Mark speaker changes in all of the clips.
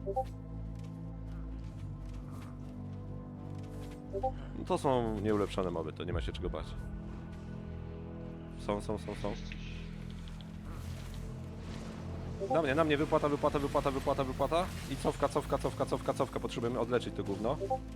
Speaker 1: No to są nieulepszone moby, to nie ma się czego bać. Są. Na mnie, wypłata. I cofka, potrzebujemy odleczyć to gówno.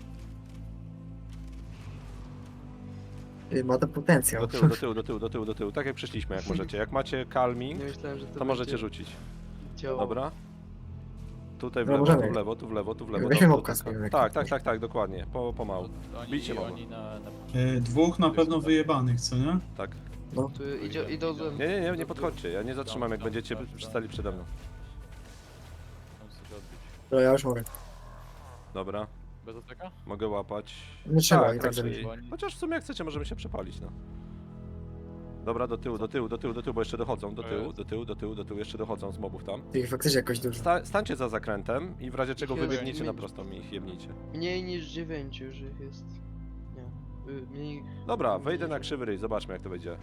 Speaker 2: Ma to potencjał.
Speaker 1: Do tyłu, tak jak przyszliśmy, jak możecie. Jak macie calming,
Speaker 3: Nie myślałem, że
Speaker 1: to możecie rzucić.
Speaker 3: działało.
Speaker 1: Dobra. Tutaj w
Speaker 2: No,
Speaker 1: lewo,
Speaker 2: możemy.
Speaker 1: tu w lewo.
Speaker 2: Weźmy
Speaker 1: Dobrze,
Speaker 2: mopka
Speaker 1: tylko-
Speaker 2: z
Speaker 1: Tak, dokładnie. Pomału. Bijcie moba.
Speaker 4: Dwóch na pewno wyjebanych, co nie?
Speaker 1: Tak.
Speaker 2: No.
Speaker 3: Tu idą ze mną.
Speaker 1: Nie podchodźcie, ja nie zatrzymam jak będziecie stali przede mną.
Speaker 2: Dobra, ja już mogę.
Speaker 1: Dobra,
Speaker 5: Bez ataka?
Speaker 1: mogę łapać.
Speaker 2: Nie trzeba i tak
Speaker 1: raczej.
Speaker 2: zrobić.
Speaker 1: Chociaż w sumie jak chcecie możemy się przepalić, no. Dobra, do tyłu, bo jeszcze dochodzą, do tyłu, jeszcze dochodzą z mobów tam.
Speaker 2: Ty ich faktycznie jakoś dużo.
Speaker 1: Stańcie za zakrętem i w razie czego
Speaker 3: Ich jest
Speaker 1: wybiegniecie na
Speaker 3: mniej-
Speaker 1: prostą i ich jebnijcie.
Speaker 3: Mniej niż 9 już ich jest. Nie. Mniej...
Speaker 1: Dobra, wejdę na krzywy ryj, zobaczmy jak to wyjdzie.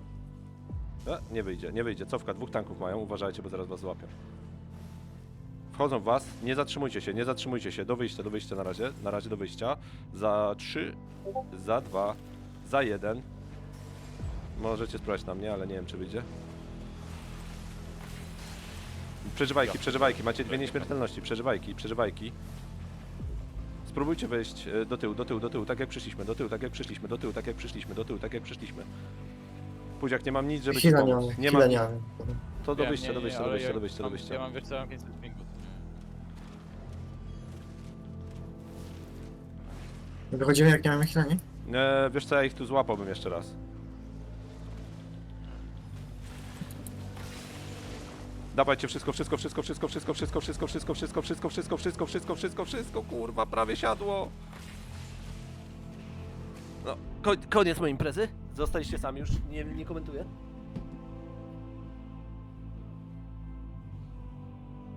Speaker 1: Nie wyjdzie, cofka, dwóch tanków mają, uważajcie, bo zaraz was złapią. Wchodzą w was, nie zatrzymujcie się, do wyjścia na razie do wyjścia. Za 3, za 2, za 1. Możecie spróbować na mnie, ale nie wiem czy wyjdzie. Przeżywajki, macie dwie nieśmiertelności, przeżywajki. Spróbujcie wejść do tyłu, tak jak przyszliśmy, do tyłu, tak jak przyszliśmy. Pójdź, jak nie mam nic, żeby ci
Speaker 2: Chwila nie
Speaker 1: pomóc.
Speaker 2: mamy,
Speaker 1: Nie
Speaker 2: chwila
Speaker 1: mam
Speaker 2: nie
Speaker 1: nic.
Speaker 2: mamy.
Speaker 1: To do
Speaker 5: Wiem,
Speaker 1: wyjścia.
Speaker 5: ale Ja mam, wiesz co, ja mam 500 pingu.
Speaker 2: Wychodzimy jak nie mamy chwila, nie?
Speaker 1: Wiesz co, ja ich tu złapałbym jeszcze raz. Dawajcie wszystko, kurwa, prawie siadło. No, koniec mojej imprezy. Zostaliście sami już, nie komentuję.